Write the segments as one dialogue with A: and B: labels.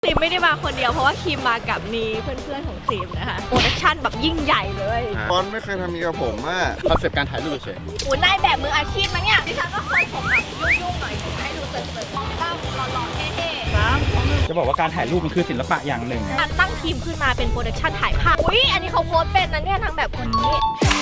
A: ครีมไม่ได้มาคนเดียวเพราะว่าครีมมากับมีเพื่อนๆของครีมนะคะโปรดักชั่นแบบยิ่งใหญ่เลย
B: บอลไม่เคยทำนี้กับผมอ่ะคอนเซ็ปต์การถ่ายรูปเฉย
A: โอ้นายแบบมืออาชีพมั้งเนี่ยดิฉันก็เคยผมแบบยุ่งๆหน่อยให้ดูเสริมๆบ้างหล่อๆเท่ๆ
C: จะบอกว่าการถ่ายรูปมันคือศิลปะอย่างหนึ่ง
A: การตั้งทีมขึ้นมาเป็นโปรดักชั่นถ่ายภาพอุ้ยอันนี้เขาโพสต์เป็นนะเนี่ยนางแบบคนนี้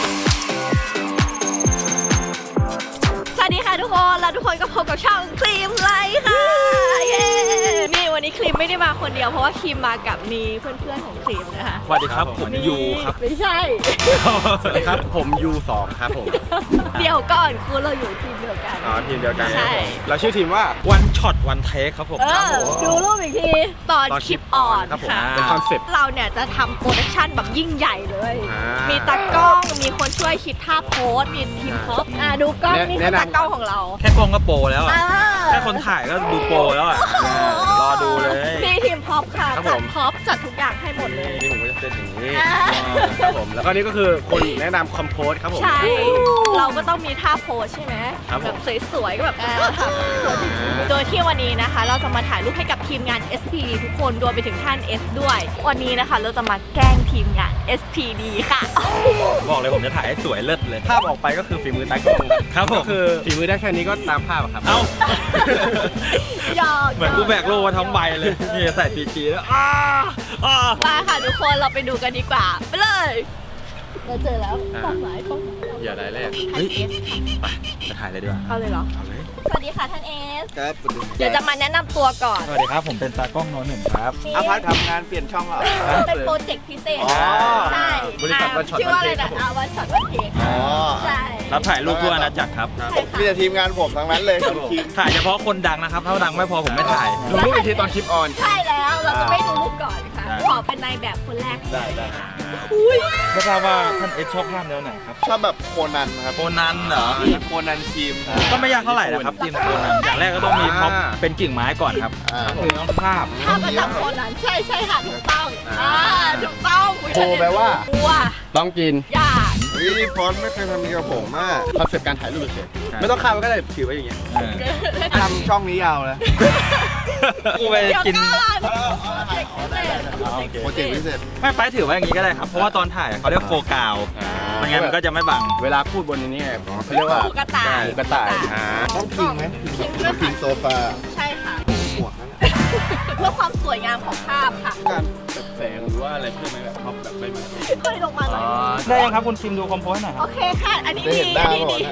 A: สวัสดีค่ะทุกคนแล้วทุกคนก็พบกับช่องครีมไลท์ค่ะเย้นี่วันนี้ครีมไม่ได้มาคนเดียวเพราะว่าครีมมากับมีเพื่อนๆของครีมนะคะ
C: สวัสดีครับผมยูครับ
A: ไม่ใช่
B: ๆสวัสดีครับผม U2 ครับผม
A: เดี๋ยวก่อนคือเราอยู่ทีมเดียวกัน
B: อ๋อทีมเดียวกัน
A: ใช่
B: เราชื่อทีมว่า
C: วันช็อตวันเทคครับผม
A: ดูรูปอีกทีตอนคลิปอ่อน
B: ครับผม
A: ค่ะ
B: เป็นคอนเซ็ปต์
A: เราเนี่ยจะทำโปรดักชั่นแบบยิ่งใหญ่เลย
B: อ่ามี
A: มีตากล้อง มีคนช่วยคิดท่าโพสมีทีมพ็อปดูกล้องนี่คือตากล้องของเรา
C: แค่กล้องก็โปรแล้วอะ
A: อ่า
C: แค่คนถ่ายก็ดูโปรแล้วอะรอดูเลย
A: นี่ทีมพ็อปค่ะ
B: ครับ
A: จั
B: ผ
A: ด
B: ม
A: พ็อปจัดทุกอย่างให้หมดเลย
B: นี่ผมก็จะเป็นอย่างนี้
A: อ่า
B: ครับผมแล้วก็นี่ก็คือคนแนะนำคอมโพสครับผม
A: ใช่ เราก็ต้องมีท่าโพสใช่ไหม
B: ครับผม
A: แบบสวยๆก็แบบโดยที่วันนี้นะคะ เราจะมาถ่ายรูปให้กับทีมงาน SP ทุกคนรวมไปถึงท่าน S ด้วย วันนี้นะคะเราจะมาแกล้งทีมงาน SPD ค่ะ
C: บอกเลยผมจะถ่ายให้สวยเลิศเลย
B: ภาพออกไปก็คือฝีมือตากล้อง
C: ครับผม
B: ก็คือฝีมือได้แค่นี้ก็ตามภาพอะครับ
C: เอ้า
A: หยอก
C: เหมือนกูแบกโล่มาทั้งใบเลย นี่ใส่ปีจีแล้ว
A: มาค่ะทุกคนเราไปดูกันดีกว่า ไปเลยเราเจอแล้วต้องหมายต้อง
B: อย่าได้แรก
A: ท่าน S
C: ไปจะถ่ายเลยดีกว่า
A: เอาเลยเหรอ
C: เอาเลย
A: สวัสดีค่ะท่าน S
B: ครับ
A: เดี๋ยวจะมาแนะนำตัวก่อน
C: สวัสดีครับผมเป็นตากล้องโน้นหนึ่งครับ
B: อาพัททำงานเปลี่ยนช่องเหรอ
A: เป็นโปรเจกต์พิเศษ
B: อ๋อ
A: ใช่
B: บริษัท One Shot
A: ชื่อว่าอะไร
B: One Take ครั
A: นะ
B: บผม
A: วันช็อตวันเทค
B: อ๋อ
A: ใช่
C: รับถ่ายรูปทั่วอาณาจักรครับ
B: ครับ
A: ใช่ค่ะ
B: มีแต่ทีมงานผมทั้งนั้นเลยทีม
C: ถ่ายเฉพาะคนดังนะครับ ถ้าดังไม่พอผมไม่ถ่าย
B: ลงรูปอีกทีตอนคลิปออน
A: ใช่แล้วเราจะไม่ดูรูปก่อนค่ะ
C: ได้
A: ขอเป็นนายแบบคนแรก
B: ได้ได้
C: ไม่ทราบว่าท่านเอ็กชอบภาพแนวไหนครับ
B: ชอบแบบโคนันครับ
C: โคนันเหรอ
B: โคนันทีม
C: ก็ไม่ยากเท่าไหร่นะครับทีมโคนันอย่างแรกก็ต้องมีพ็อปเป็นกิ่งไม้ก่อนครับ
B: อ่า
C: คือต้องภาพ
A: ถ้าประจำคนนั้นใช่ใช่ค่ะถูกต้อง
B: อ่า
A: ถูกต้อง
B: โคแปลว่า
A: วัว
B: ต้องกิน
A: ยาก
B: นี่ฟอนต์ไม่เคยทำนี้กับผมอ่ะคอนเซ็ปต์การถ่ายรูปเฉย
C: ใช่
B: ไม่ต้องข้ามก็ได้ถือไว้อย่างเงี้ย
C: เออ
B: ทำช่องนี้ยาวเลย
C: กูไป
A: เดี๋ยว
C: กิน
A: ก่อน
B: โปรเจกต์พิเศษ
C: ไม่ไปถือไว้อย่างนี้ก็ได้ครับ เพราะว่าตอนถ่ายเขาเรียกโฟกาวไม่งั้นมันก็จะไม่บัง
B: เวลาพูดบนนี้ไงเขาเรียกว่า
A: หูกระต่าย
B: หูกระต่ายต้องพิงไหม
A: พิงด้วย
B: พิงโซฟา
A: ใช่ค่ะ
B: หัวนั่น
A: เพื่อความสวยงามของภาพค่ะ
B: การแบบแสงหรือว่าอะไรเพื่อไหมแบบท็อปแบบใบไม้
A: เคยลงมาหน่อย
C: ได้ยังครับคุณคิมดูคอมโพสหน่อยค
A: โอ
C: รับ
A: เคค่ะ อันนี้
B: ได้
A: ดี
B: เห็นหน้า
A: อันนี้
B: ก่อน
A: ดี
B: นะ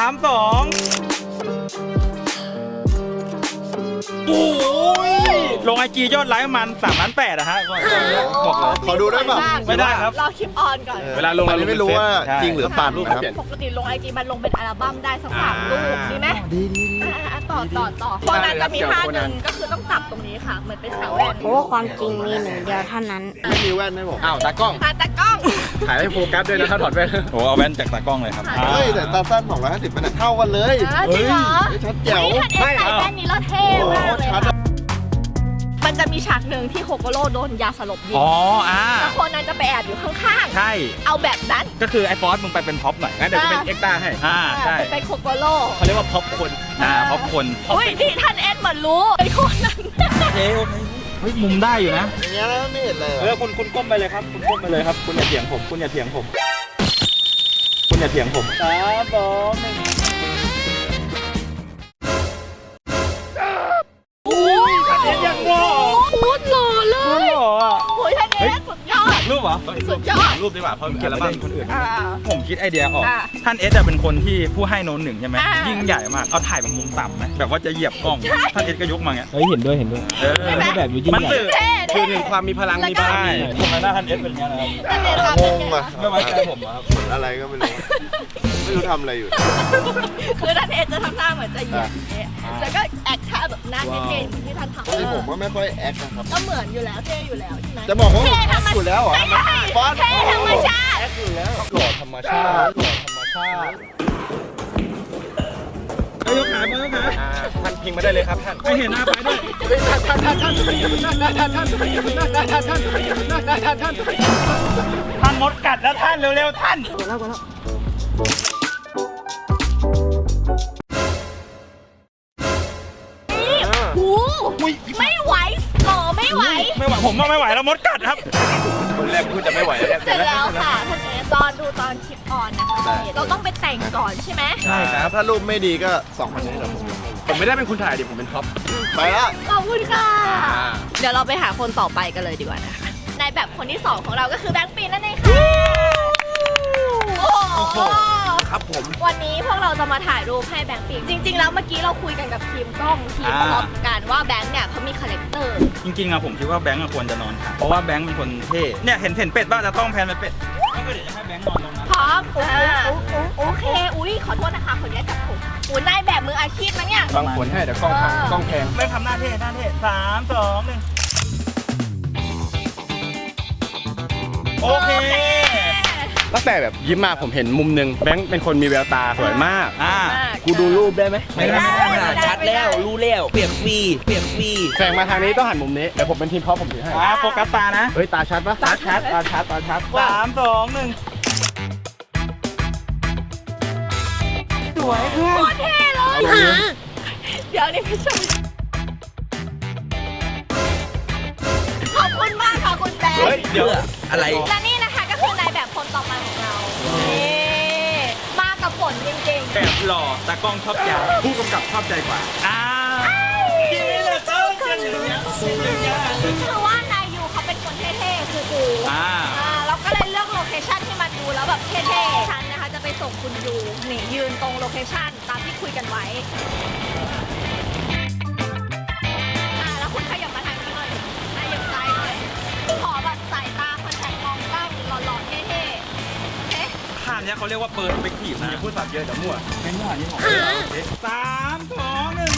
C: 3 2โอ้ยลงไอจียอดไลค์ประมัน3,800,000นะฮะบอกเลย
B: ขอดูได้ป่ะ
C: ไม่ได้ครับ
A: รอคลิปออนก่อน
B: เวลาลงอันนี้ไม่รู้ว่าจริงหรือปั่นนะครับ
A: ปกติลงไอจีมันลงเป็นอัลบั้มได้สัก3 รูปดีไหม
B: ดี
A: ต่อโคนันจะมีท่าหนึ่งก็คือต้องจับตรงนี้ค่ะ เหมือนเป็นสาวแว่น
D: เพราะว่าความจริงมีหนึ่งเดียวเท่านั้น
B: ไม่มีแว่นให้ผมอ้าวตากล้อง
A: ตากล้อง
B: ถ่ายให้โฟกัสด้วยนะถ้าถอดแว่น
C: โอ้เอาแว่นจากตากล้องเลยครับ
B: เฮ้ยแต่ตาสั้น250มันเท่ากันเลย
A: จริงเหรอ
B: ชัดแจ๋ว
A: นี่ท่านเอสใส่แว่นนี้แล้วเท่มากเลย
B: ชัด
A: ค่ะมันจะมีฉากหนึ่งที่โคโกโร่โดนยาสลบยิง
C: อ๋อ
A: แล้วโคนันจะไปแอบอยู่ข้าง
C: ใช่
A: ๆ เอาแบบนั้น
C: ก็คือไอ้ฟอสมึงไปเป็นพ็อปหน่อย
B: งั้นเดี๋ยวจะเป็นเอ็กซ์ต้าให้
C: ใช่
A: เป็นโคโกโร่
B: เขาเรียกว่าพ็อปคน
C: พ็อปคน
A: อุ้ยนี่ท่านเอสเหมือนรู้ไอ้โคนัน
C: โอเคเฮ้ยมุมได้อยู่นะ
B: อย่างเงี้ยไม่เห็นเลย
C: คุณก้มไปเลยครับ คุณก้มไปเลยครับ คุณอย่าเถียงผม คุณอย่าเถียงผม คุณอย่าเถียงผม3 2 1
A: โอ้ย
C: ท่านเอสยังหล่อ
A: โคตรหล่อเล
C: คุณ
A: ย
C: หล่ออ่ะ
A: โอ้ยท่านเอสสุดยอด
C: รูปเหรอ
A: สุดยอด
B: รูปดีกว่าเพราะ
C: เกี่ยวกับคนอื่น
A: อ่า
C: ผมคิดไอเดียออก
A: อ่ะ
C: ท่านเอสจะเป็นคนที่ผู้ให้โน้นหนึ่งใช่ไหม
A: อ่ะ
C: ยิ่งใหญ่มาก เอาถ่ายแบบมุมต่ำไหมแบบว่าจะเหยียบกล้อง ท่านเอสก็ยกมาเงี้ย
E: เฮ้ยเห็นด้วยเห็นด้วย
C: เออ
A: ใช่ไหม
E: แบบอยู่ยิ่ง
C: มัน
E: ใหญ่
C: สื่อ
A: เท่
B: คือถึงความมีพลังมีบาร
C: ใช่
B: มี
C: ทำไมหน้าท่านเอสเป็นอย่างนี้นะครับ
A: ท่านเอสครับ
B: งงอ่ะ
C: ไม่ไว้ใจผมอะครับ
B: เหมือนอะไรก็ไม่รู้ไม่รู้ทำอะไรอยู่
A: คือท่านเอสจะทำหน้าเหมือนจะเหยียบอย่างเงี้ยแล้วก็แอคท่าแบบหน้าเท่ๆเหมือนที่ท่านทำ
B: ที่ผมก็ไม่ค่อยแอคนะครับ
A: ก็เหมือนอยู่แล้วเท่อยู่แล้วใช่ไหม
B: จะบอกว่า
A: เท่ธรรม
B: อยู่แล้วเหรอ
A: ไม่ใช่
B: ฟอนต์
A: เท่ธรรมชาติ
B: แอคอยู่แล้วหล่อธรรมชาติหล่อธรรมชาติ
C: เฮ้ยยกขามือยกขา
B: ท่านพิงมาได้เลยครับท่าน
C: ไม่เห็นหน้าไปด้วย ท่านมดกัดแล้วท่านเร็วๆท่าน
A: หูไม่ไหวหล่อไม่ไหว
C: ไม่ไหวผมว่าไม่ไหวแล้วมดกัดครับคนแรกพูดจะไม่ไหวแล้ว
A: เสร็จแล้วค่ะท่านเอสตอนดูตอนคลิปออนนะคะเราต้องไปแต่งก่อนใช่ไหม
B: ใช่ครับ ถ้ารูปไม่ดีก็2,000นี้เดี๋ยวผมไม่ได้เป็นคนถ่ายดิผมเป็นท็อปไปละ
A: ขอบคุณค่ะ เดี๋ยวเราไปหาคนต่อไปกันเลยดีกว่านะคะในแบบคนที่ 2 ของเราก็คือแบงค์ปีนนั่นเองค่ะโอ้โห
B: ครับผม
A: วันนี้พวกเราจะมาถ่ายรูปให้แบงค์ปีนจริง ๆ แล้วเมื่อกี้เราคุยกันกับทีมกล้องทีมพร็อพกันว่าแบงค์เนี่ยเขามีคาแรคเตอร์
C: จริงๆอะผมคิดว่าแบงค์ควรจะนอนค่ะเพราะว่าแบงค์เป็นคนเท่เนี่ยเห็นเป็ดบ้างจะต้องแพนไปเป็ดก็เดี๋ยวจะให้แบงค์นอนตรงนั้น
A: พร้อมโอเคอุ้ยขอโทษนะคะขออนุญาตจับผมอุ้ยนายแบบมืออาชีพนะเนี่ย
B: ฟังผลให้เดี๋ยวกล้องพังกล้องแพง
C: แบงค์ทำหน้าเท่3 2 1โอเค
B: ตั้งแต่แบบยิ้มมาผมเห็นมุมหนึงแบงค์เป็นคนมีแววตาสวยมาก กูดูรูปได้ไหม
C: ไม่ได้
E: ชัดแล้วรู้แล้วเปียกฟรีเปียกฟรี
B: แสงมาทางนี้ต้องหันมุมนี้เดี๋ยวผมเป็นทีมพร้อมผมถือให้
C: โฟกัสตานะ
B: เฮ้ยตาชัดปะ
C: ตาชัด3 2 1สวยเพื่อน
A: โคตรเท่เลยเดี๋ยวนี่ไม่ใช่ขอบคุณมากค่ะคุณแบงค์
C: เฮ้ยเดี๋ยว
E: อะไร
A: และนี่นะคะก็คือนายแบบคนต่อมาของเรานี่มากับฝนจริงๆ
C: แบบหล่อตากล้องชอบใจผู้กำกับชอบใจกว่าที่นี่เลยต้องกันอย่างเงี้ย
A: คือว่านายยูเขาเป็นคนเท่ๆคือดูเราก็เลยเลือกโลเคชั่นที่มันดูแล้วแบบเท่ๆฉันนะคะจะไปส่งคุณยูนี่ยืนตรงโลเคชั่นตามที่คุยกันไว้แล้วคุณขยับมาทางนี้หน่อยขยับซ้ายหน่อยขอแบบสายตาคนแทนมองกล้องหล่อๆเท่ๆโอเค
C: ข้ามเนี้ยเขาเรียกว่าเปิดไปขีบนะอย่าพูดสับเยอะเดี๋ยวมั่วไม่มั่วนี่ของ3 2 1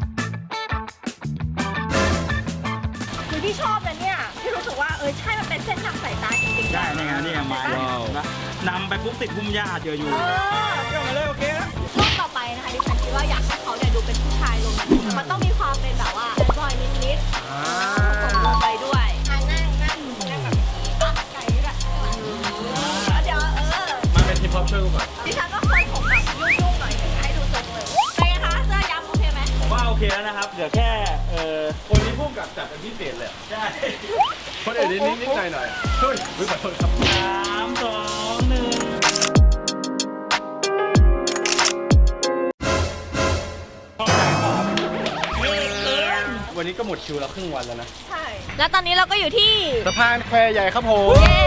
A: คือที่ชอบเลยเนี่ยที่รู้สึกว่าใช่มันเป็นเส้นทางสายตาจริงๆ
C: ได้นี่ไงนี่ไงไม้นะนำไปปุ๊บติดพุ่มหญ้าเจออยู่เชื่อมาเลยโอเคแล้ว
A: รูปต่อไปนะคะดิฉันคิดว่าอยากให้เขาเนี่ยดูเป็นผู้ชายลงมันต้องมีความเป็นแบบว่าบอยนิดๆส่งลงไปด้วยนั่งแบบไก่ด้วยเดี๋ยว
B: มาเป็นทีมพร้อมช่วยกูก่อน
A: ดิฉันก็เคยผมแบบยุ่งๆหน่อยให้ดูสวยๆเป็นไงคะเสื้อย้ำโอเคไหม
C: ผมว่าโอเคแล้วนะครับเดี๋ยวแค่
B: คนนี้พุ่งกับจัดเป็นพิเศษเลย
C: ใช่
B: คนอื่นนิดๆหน่อยๆเฮ้ยขอโทษครับ
C: 3 2 1
B: วันนี้ก็หมดคิวแล้วครึ่งวันแล้วนะ
A: ใช่แล้วตอนนี้เราก็อยู่ที่
B: สะพานแควใหญ่ครับผม
A: เย้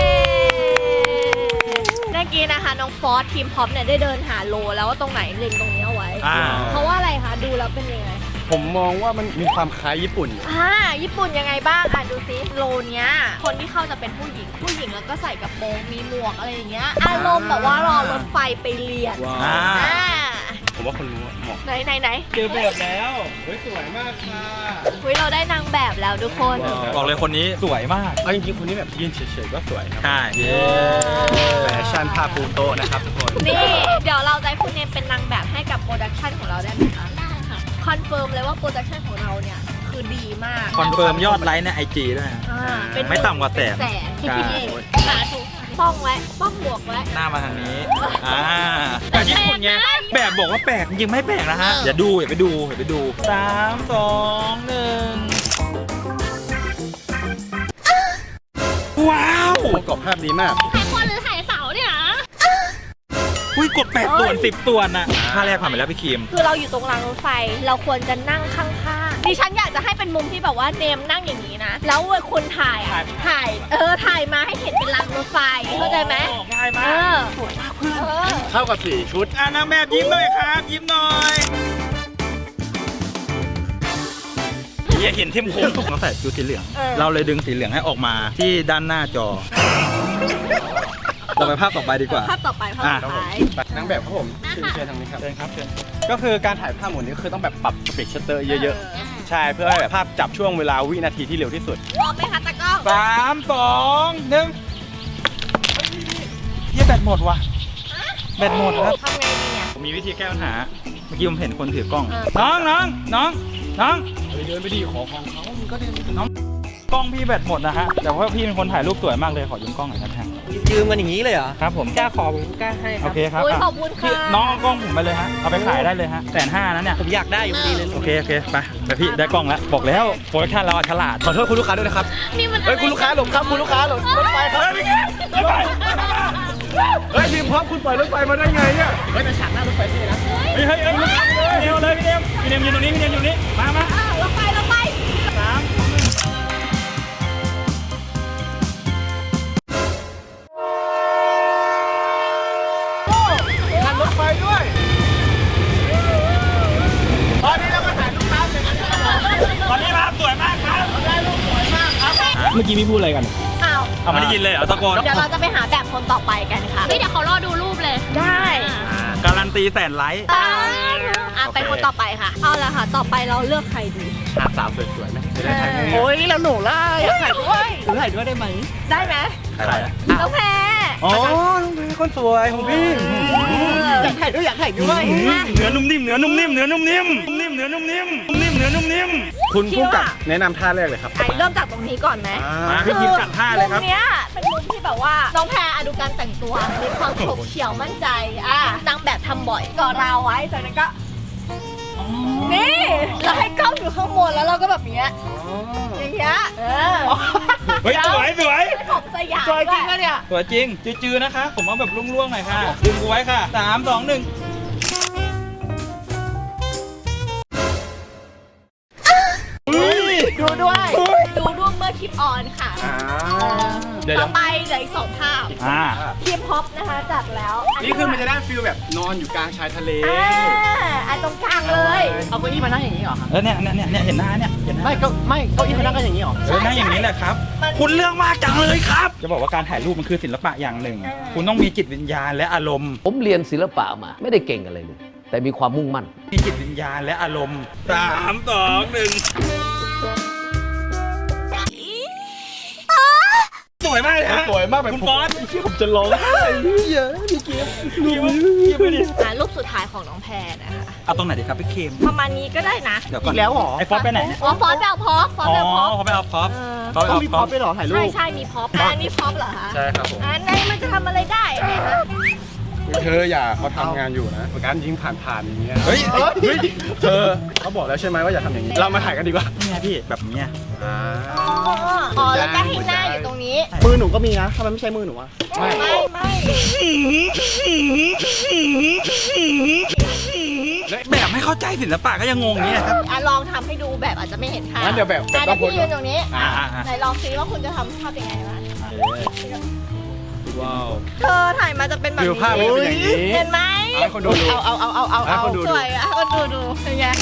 A: เมื่อกี้นะคะน้องฟอสทีมพ็อปเนี่ยได้เดินหาโลแล้วว่าตรงไหนเล็งตรงนี้เอาไว้ เพราะว่าอะไรคะดูแล้วเป็นยังไง
B: ผมมองว่ามันมีความคล้ายญี่ปุ่น
A: ญี่ปุ่นยังไงบ้างดูซิโลเนี้ยคนที่เข้าจะเป็นผู้หญิงแล้วก็ใส่กระโปรงมีหมวกอะไรอย่างเงี้ยอารมณ์แบบว่ารอรถไฟไปเรียน
B: ผมว่าคนรู้เหมาะ
A: ไหน
C: เจอแบบแล้ว
B: เฮ้ยสวยมากค่ะ
A: คุยเราได้นางแบบแล้วทุกคน
C: บอกเลยคนนี้สวยมาก
B: เอาจริงๆคนนี้แบบยืนเฉยๆก็สวยครับ
C: ใช่
B: แฟชั่นผ้าปูโตะนะครับทุกคน
A: นี่เดี๋ยวเราจะให้คุณเนมเป็นนางแบบให้กับโปรดักชันของเราได้ไหมคะได้ค่ะคอนเฟิร์มเลยว่าโปรดักชันของเราเนี่ยคือดีมาก
C: คอนเฟิร์มยอดไลค์ในไอจีด้วยนะ
A: เป็น
C: ไม่ต่ำกว่าแสน
A: ที่พี่เองสาธุป้องไว้ป้องบวกไว้
C: หน้ามาทางนี้แต่ญี่ปุ่นไงแบบบอกว่าแปลกจริงไม่แปลกนะฮะอย่าไปดู3 2 1ว้าว
B: ประกอบภาพดีมาก
A: ถ่ายคนหรือถ่ายเสาเนี่ย
C: อุ้ยกด8 ส่วน 10 ส่วนน่ะท่าแรกผ่านไปแล้วพี่คิม
A: คือเราอยู่ตรงรางรถไฟเราควรจะนั่งข้างๆดิฉันอยากจะให้เป็นมุมที่แบบว่าเนมนั่งอย่างนี้นะแล้วคนถ่ายถ่ายมาให้เห็นเป็นรางรถไฟเข้าใจไหม
C: ง่ายมากสวยมากเพื่อน
B: เข้ากับ4ชุด
C: นางแบบยิ้มหน่อยครับยิ้มหน่อยอย่าเห็นทิมคมเราใส่ชุดสีเหลืองเราเลยดึงสีเหลืองให้ออกมาที่ด้านหน้าจอเราไปภาพต่อไปดีกว่า
A: ภาพต่อไป
B: นางแบบครับผมเชิญทางนี้ครับ
C: เชิญครับเชิญ
B: ก็คือการถ่ายภาพหมุนนี้คือต้องแบบปรับสปีดชัตเตอร์เยอะๆ ใช่เพื่อให้แบบภาพจับช่วงเวลาวินาทีที่เร็วที่สุด
A: พร้อมไหมคะตากล้อง
C: 3 2 1เฮียแบตหมดว่ะแบตหมดครับ
A: ทำไงดีเนี่ย
C: ผมมีวิธีแก้ปัญหาเมื่อกี้ผมเห็นคนถือกล้อง
A: เออ
C: น้อง
B: เดินไปดีขอของเขามันก็เดินไปน้อง
C: กล้องพี่แบตหมดนะฮะแต่ว่าพี่เป็นคนถ่ายรูปสวยมากเลยขอยืมกล้องหน่อยครับท่าน
E: ยืมกันอย่างนี้เลยเหรอ
C: ครับผม
E: กล้าขอผมกล้าให้ค
C: โอ
E: รับ
C: เคครับ
A: อุ้ย
C: อ่ะ
A: ขอบคุณ
C: พี่
A: ค่ะ
C: น้องเอากล้องผมไปเลยฮะเอาไปขายได้เลยฮะ150,000นะเนี่ย
E: ผมอยากได้อยู่พอดีเลย
C: โอเคไปแต่พี่ได้กล้องแล้วบอกแล้วโปรดักชั่นเราฉลาด
B: ขอโทษคุณลูกค้าด้วยนะครับ
A: นี่มัน
B: เฮ้ยคุณลูกค้าหลบครับคุณลูกค้าหลบรถไฟครับ เฮ้ยทีมพร้อมคุณปล่อยรถไฟมาได้ไงเนี่ยเฮ้ยแต่ฉากหน้ารถไฟที่นะ
C: เฮ้ยพี่เนมเลยพี่เนมยืนตรงนี้พี่เนมอยู่นี่มา
A: เราไป
B: ทันรถไฟด้วย ตอนนี้เราก็ถ่ายลูกค้าเสร็จแล้ว
C: ตอนนี้ภาพสวยมากครับ
B: ได้รูปสวยมากครับ
C: เมื่อกี้พี่พูดอะไรกัน
A: อ้าว
C: เอาไม่ได้ยินเลยเหรอตะโกน
A: เดี๋ยวเราจะไปหาแบบคนต่อไปกันค่ะเฮ้ยเดี๋ยวเขารอดูรูปเลย ได้
C: การันตีแสนไลค์
A: ไปคนต่อไปค่ะ เอาละค่ะ ต่อไปเราเลือกใครดี
B: หาสาวสวยๆไหมจะได้ถ่ายง่ายๆ
E: โอ้ยนี่เราหนูล่ะอยากถ่ายด้วยหนูถ่ายด้วยได้ไหม
A: ได้ไหม
C: ใครอะ
A: น้องแพร
B: อ๋อน้องเบย์คนสวยของพี่
E: อยากถ่ายด้วย
C: เนื้อนุ่มนิ่มเนื้อนุ่มนิ่มเนื้อนุ่มนิ่มนิ่มเนื้อนุ่มนิ่มนิ่มเนื้อนุ่มนิ่ม
B: คุณผู้กับแนะนำท่าแรกเลยครับ
A: ไอเริ่มจากตรงนี้ก่อนไหม
C: มาพี่คิมจัดท่าเลยครับ
A: มุมเนี้ยเป็นมุมที่แบบว่าน้องแพรดูการแต่งตัวมีความโฉบเฉี่ยวมั่นใจนางแบบทำบ่อยก่อราวไว้จากนั้นก็นี่เราให้กล้องอยู่ข้างบนแล้วเราก็แบบเนี้ยอย่างเงี้ย
C: เฮ้ยสวย
A: ผมสยาม
E: จอยจริงอะเนี่ย
C: สวยจริงจืดๆนะคะผมเอาแบบล่วงๆหน่อยค่ะดึงกูไว้ค่ะ3 2 1
A: ดูด้วยเมื่อคลิปออนค่ะ
B: เดี๋ยว
A: ต่อไปเหลืออีก2ภาพคลิปฮอปนะคะจัดแล้ว
B: นี่คือมันจะได้ฟีลแบบนอนอยู่กลางชายทะเล
A: อันตรงกลางเลย
E: เอาเก้าอี้มานั่งอย่างนี้เหรอ
C: เนี่ยเห็นหน้าเนี่ยเห็นหน้า
E: ไม่เก้าอี้มานั่งกันอย่างนี้เหรอ
C: นั่งอย่างนี้แหละครับ คุณเรื่องมากจังเลยครับ จะบอกว่าการถ่ายรูปมันคือศิลปะอย่างหนึ่ง คุณต้องมีจิตวิญญาณและอารมณ์
F: ผมเรียนศิลปะมาไม่ได้เก่งอะไรเลย แต่มีความมุ่งมั่น
C: มีจิตวิญญาณและอารมณ์3 2 1สวยมากเลยฮะ
B: สวยมากแบบ
C: คุณฟอน
B: ที่ผมจะร้องไห้เยอะพี่เกียร์
C: ไปดิ
A: รูปสุดท้ายของน้องแพรนะคะ
C: เอาตรงไหนดีครับพี่เคม
A: ประมาณนี้ก็ได้นะ
C: เดี๋ยวก่อน
E: อีกแล้วเหรอ
C: ไอ้ฟอสไปไหนเนี่ย
A: ฟอนต์ไปเอาพอปฟอนต์ไปเอาพอป
C: เขาไปเอาพร็อพ
E: ต้องมีพร็อพด้วยเหรอถ่ายรูป
A: ใช่มีพอปอันนี้พอปเหรอคะ
B: ใช่ครับผม
A: อันไหนมันจะทำอะไรได้เนี่ยนะ
B: เธออย่าเขาทำงานอยู่นะการยิงผ่านๆอย่างเงี้ยเฮ้ยเธอเขาบอกแล้วใช่ไหมว่าอย่าทำอย่างนี้เรามาถ่ายกันดีกว่า
C: นี่ไงพี่แบบเนี้ย
A: อ๋อแล้วก็ให้หน้าอยู่ตรงนี้
E: มือหนูก็มีนะทำไมไม่ใช้มือหนูอะ
A: ไม่
C: แบบไม่เข้าใจศิลปะก็ยังงงอย่างเงี้ยครับ
A: ลองทำให้ดูแบบอาจจะไม่เห็นภาพ
B: งั้นเดี๋ยวแบบ
A: เดี๋ยวพี่ยืนตรงนี้
C: อ่า
A: ไหนลองซิว่าคุณจะทำภาพยังไงบ้าง
C: ว้าว
A: เธอถ่ายมาจะเป็นแบบ
B: ฟิล
A: นี้
B: ภาพมันเป็นอย่างนี้
A: เห็นไหม
B: ให้คนดู
E: เอา
B: ให้คนดู
A: สวยอ่ะคนดูเป็นไง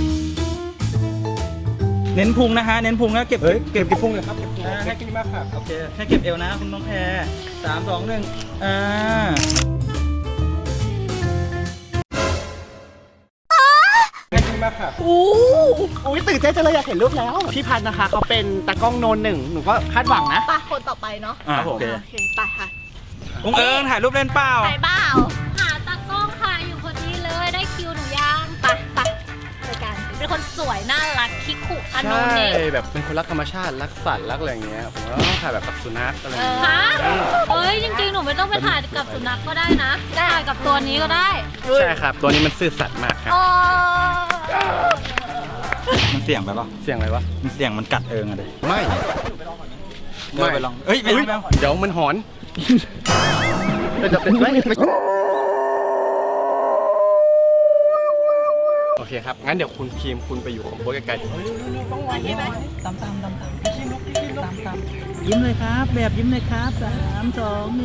C: เน้นพุงนะฮะเน้นพุงแล้วเก็บ
B: เฮ้ยเก็บกี่พุ่งเลยครับแค่กี่มากค่ะ
C: โอเคแค่เก็บเอวนะคุณน้องแพร3 2 1
B: แค่กี่มากค่ะ
E: อุ้ยตื่นเต้นจังเลยอยากเห็นรูปแล้ว พี่พันธ์นะคะเขาเป็นตากล้องโนนหนึ่งหนูก็คาดหวังนะ
A: ไปคนต่อไปเนาะ
C: โอเค
A: โอเคไปค่ะ
C: องเอิงถ่ายรูปเล่นเปล่า
A: ถ่ายเปล่า
G: หาตากล้องค่ะอยู่พอดีเลยได้คิวหนูยัง
A: ไปรายการ
G: เป็นคนสวยน่ารักคิกคุอันโน
B: ใช่
G: เน
B: แบบเป็นคนรักธรรมชาติรักสัตว์รักอะไรอย่างเงี้ยผมว่าต้องถ่ายแบบกับสุนัขอะไรอย่างเงี้ย
G: ฮะเอ้ยจริงๆหนูไม่ต้องไปถ่ายกับสุนัขก็ได้นะถ่ายกับตัวนี้ก็ได้
B: ใช่ครับตัวนี้มันซื่อสัตย์มากครับ
A: อ๋อ
C: มันเสี่ยงไปป่ะ
B: เสียงอะไรวะ
C: มันเสี่ยงมันกัดเอิงอะเด็
B: ไม่
C: ไปลองเอ้ยไม่เอา
B: เดี๋ยวมันหอนจะเป็นไม่โอเคครับงั้นเดี๋ยวคุณครีมคุณไปอยู่ของโบ๊ทไกลๆ
A: ต้องวันใช่ไหม
C: ยิ้มเลยครับแบบยิ้มเลยครับ3 2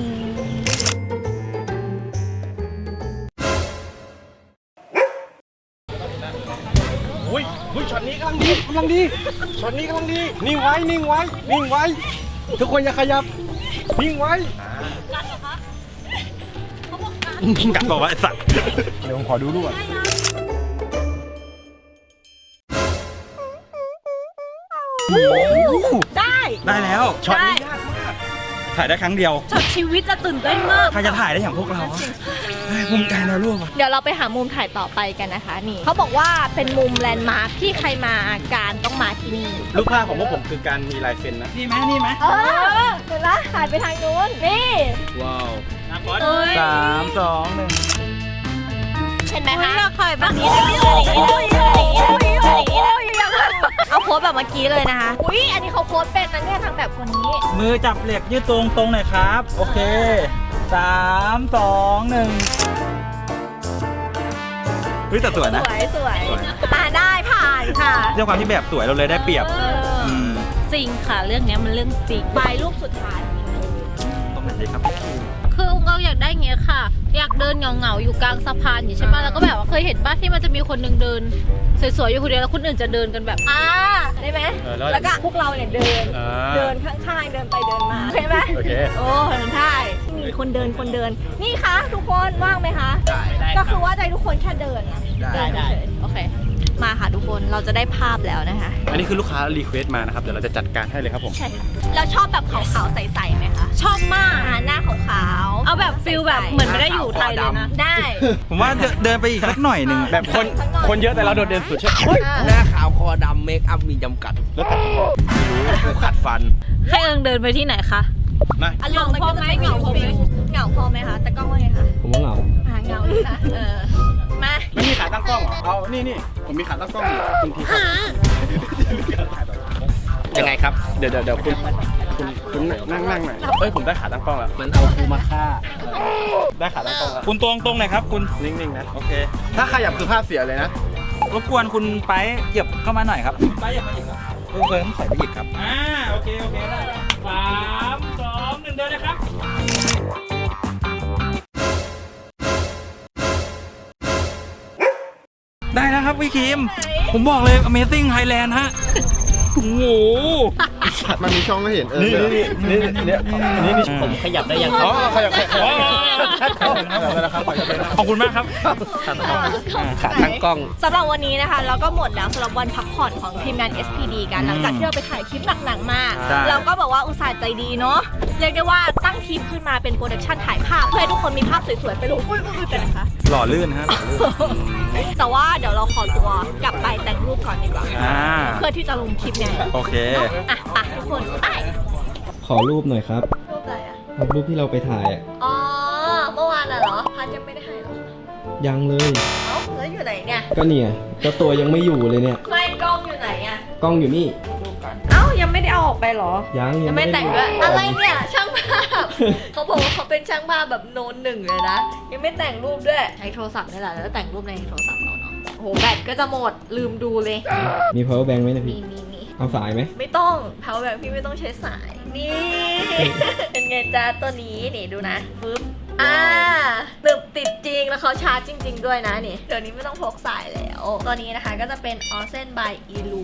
B: อุ้ยช็อตนี้กำลังดีช็อตนี้กำลังดีนิ่งไว้ ทุกคนอย่าขยับนิ่งไว้
C: 1กัดบอกว่าไอ้สัตว์
B: เดี๋ยวผมขอดูรูปก่อน
A: ได้
C: ได้แล้ว
B: ช็อตนี้ยากมาก
C: ถ่ายได้ครั้งเดียว
G: ช็อตชีวิตจะตื่นเต้นมาก
C: ใครจะถ่ายได้อย่างพวกเราภูมิใจนะลูก
A: เดี๋ยวเราไปหามุมถ่ายต่อไปกันนะคะนี่เขาบอกว่าเป็นมุมแลนด์มาร์คที่ใครมาการต้องมาที่นี่
B: รูปภาพของพวกผมคือการมีลายเซ็นนะ
C: นี่ไหมนี่ไหม
A: เออเห็นละถ่ายไปทางนู้นนี่
B: ว้าว
G: เอ้ย
C: 3 2 1
A: เห็นไหม
G: อุ๊ย
A: คะ
G: อยากถ่ายแบบนี้
A: เอาโพสแบบเมื่อกี้เลยนะคะอุ้ยอันนี้เขาโพสเป็นนะเนี่ยทางแบบคนนี้
C: มือจับเหล็กยืดตรงหน่อยครับ โอเค 3 2 1เฮ้ยแต่สวยนะ
A: สวยได้ผ่านค่ะ
C: ด้วยความที่แบบสวยเราเลยได้เปรียบ ม
G: จริงค่ะเรื่องเนี้ยมันเรื่องจริง
A: ไปรูปสุดท้าย
C: ตรงไหนดีครับ
G: คืออุ้งก็อยากได้อย่างเงี้ยค่ะ อยากเดินเหงาๆอยู่กลางสะพานอยู่ใช่ปะแล้วก็แบบว่าเคยเห็นป่ะที่มันจะมีคนหนึ่งเดินสวยๆอยู่คนเดียวแล้วคนอื่นจะเดินกันแบบ
A: ได้ไหม
B: แล้ว
A: แล้วก็พวกเราเนี่ยเดินข้างๆเดินไปเดินมาใช่ไหม
B: โอเค
A: โอ้ใช่มีคนเดินนี่คะทุกคนว่างไหมคะก็คือว่าใจทุกคนแค่เดินนะเดินเฉยๆโอเคมาค่ะทุกคนเราจะได้ภาพแล้วนะคะ
B: อันนี้คือลูกค้ารีเควสต์มานะครับ เดี๋ยวเราจะจัดการให้เลยครับผม
A: ใช่ค่ะเราชอบแบบขาวๆใสๆไหมคะ
G: ชอบมาก
A: หน้าขาวๆ
G: เอาแบบฟิลแบบเหมือนไม่ได้อยู่ไทยเลยนะ
A: ได้
C: ผมว่าเดินไปอีกสักหน่อยหนึ่ง
B: แบบคนเยอะแต่เราโดดเด่นสุดใช่ไหม
F: หน้าขาวคอดำเมคอัพมีจำกัด
B: แล้วแต่กูขัดฟัน
G: ให้เอิงเดินไปที่ไหนคะ
B: นะ
A: อารมณ์มันก็จะเป็นเหงาพอไหมคะแต่กล้องว่าไงคะ
F: ผมว่าเหงา
A: เหงาเลยนะมา
B: ไม่มีขาตั้งกล้องเหรอ เอานี่ผมมีขาตั้งกล้องอยู่คุณทีครับยังไงครับ เดี๋ยวคุณนั่งหน่อยเฮ้ยผมได้ขาตั้งกล้องแล้ว
F: มันเอากูมาฆ่า
B: ได้ขาตั้งกล้องแล้ว
C: คุณตรงหน่อยครับ คุณ
B: นิ่งๆนะ
C: โอเค
B: ถ้าขยับคือภาพเสียเลยนะ
C: รบกวนคุณไปเหยียบเข้ามาหน่อยครับไปเหยียบมาอีกครับเพิ่มถอยไปอีกครับโอเคได้3 2 1เดินเลยครับได้แล้วครับพี่คิมผมบอกเลย Amazing Thailand ฮะโอ้โห
B: มันมีช่องให้เห็นนี่
F: ผมขยับได้ยัง
B: อ๋อขยับ
C: ขอบคุณมากครับ
F: ขาตั้งกล้อง
A: สำหรับวันนี้นะคะเราก็หมดแล้วสำหรับวันพักผ่อนของทีมงาน SPD กันหลังจากที่เราไปถ่ายคลิปหนักๆมา
C: ใช่
A: เราก็บอกว่าอุตส่าห์ใจดีเนาะเรียกได้ว่าตั้งทีมขึ้นมาเป็นโปรดักชันถ่ายภาพเพื่อให้ทุกคนมีภาพสวยๆไปลงอุ้ยเป็นนะคะ
C: หล่อลื่นฮะ
A: แต่ว่าเดี๋ยวเราขอตัวกลับไปแต่งรูปก่อนดีกว่า เพื่อที่จะลงคลิปไง
C: โอเค
A: อ่ะไปทุกคนไป
H: ขอรูปหน่อยครับ
A: รูปอะไรอ่ะ
H: รูปที่เราไปถ่ายอ่ะ
A: อ๋อเมื่อวานน่ะเหรอพัดยังไม่ได้ให้เหรอ
H: ยังเลย
A: เอ้าแล้วอยู่ไหนเนี่ย
H: ก็เนี่ยเจ้าตัวยังไม่อยู่เลยเนี่ย
A: ไม่กล้องอยู่ไหนอ่ะ
H: กล้องอยู่นี่
A: เอ้ายังไม่ได้เอาออกไปเหรอ
H: ยัง
A: ไม่
H: ด้
A: แต่งด้วยอะไรเนี่ยช่างภาพ เขาบอกว่าเขาเป็นช่างภาพแบบโนนหนึ่งเลยนะยังไม่แต่งรูปด้วยใช้โทรศัพท์นี่แหละแล้วแต่งรูปในโทรศัพท์เราเนาะโอ้โหแบตก็จะหมดลืมดูเลย
H: มี power bank ไหมนะ
A: มี
H: พี่
A: มี
H: เอาสายไหม
A: ไม่ต้องเผาแบบพี่ไม่ต้องใช้สายนี่ เป็นไงจ้าตัวนี้นี่ดูนะปึ๊บตึบติดจริงแล้วเขาชาร์จจริง ๆ ด้วยนะนี่เดี๋ยวนี้ไม่ต้องพกสายแล้วตัวนี้นะคะก็จะเป็น Osen by Elu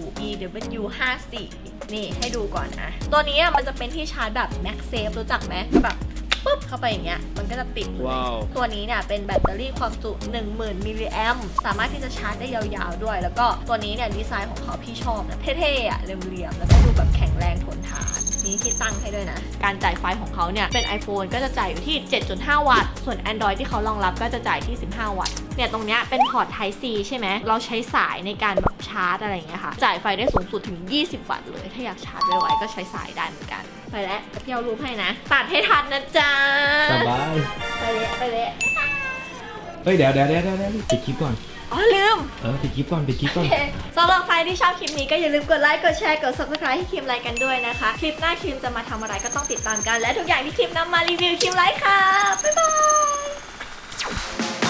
A: EW54 นี่ให้ดูก่อนนะตัวนี้มันจะเป็นที่ชาร์จแบบ MagSafe รู้จักไหมก็แบบปุ๊บเข้าไปอย่างเงี้ยมันก็จะติดเลย
B: ว้าว
A: ตัวนี้เนี่ยเป็นแบตเตอรี่ความจุ 10,000 มิลลิแอมป์สามารถที่จะชาร์จได้ยาวๆด้วย แล้วก็ตัวนี้เนี่ยดีไซน์ของเขาพี่ชอบนะเท่ๆอ่ะเรียมๆแล้วก็ดูแบบแข็งแรงทนทานมีที่ตั้งให้ด้วยนะ การจ่ายไฟของเขาเนี่ยเป็น iPhone ก็จะจ่ายอยู่ที่ 7.5 วัตต์ ส่วน Android ที่เขารองรับก็จะจ่ายที่ 15 วัตต์ เนี่ยตรงเนี้ยเป็นพอร์ต Type C ใช่ไหมเราใช้สายในการแบบชาร์จอะไรอย่างเงี้ยค่ะจ่ายไฟได้สูงสุดถึง 20 วัตต์เลยถ้าอยากชาร์จไวๆก็ใช้สายได้เหมือนกันไปแล้วเที่ยวรูปให้นะตัดให้ทันนะจ๊ะ
H: สบาย
A: ไปเลย
H: เฮ้ยเดี๋ยวปิดคลิปก่อน
A: อ๋อลืม
H: ปิดคลิปก่อน
A: สำหรับใครที่ชอบคลิปนี้ก็อย่าลืมกดไลค์ กดแชร์ กด subscribe ให้คิมไลค์กันด้วยนะคะ คลิปหน้าคิมจะมาทำอะไรก็ต้องติดตามกัน และทุกอย่างที่คิมนำมารีวิวคิมไลค์ค่ะ บ๊ายบาย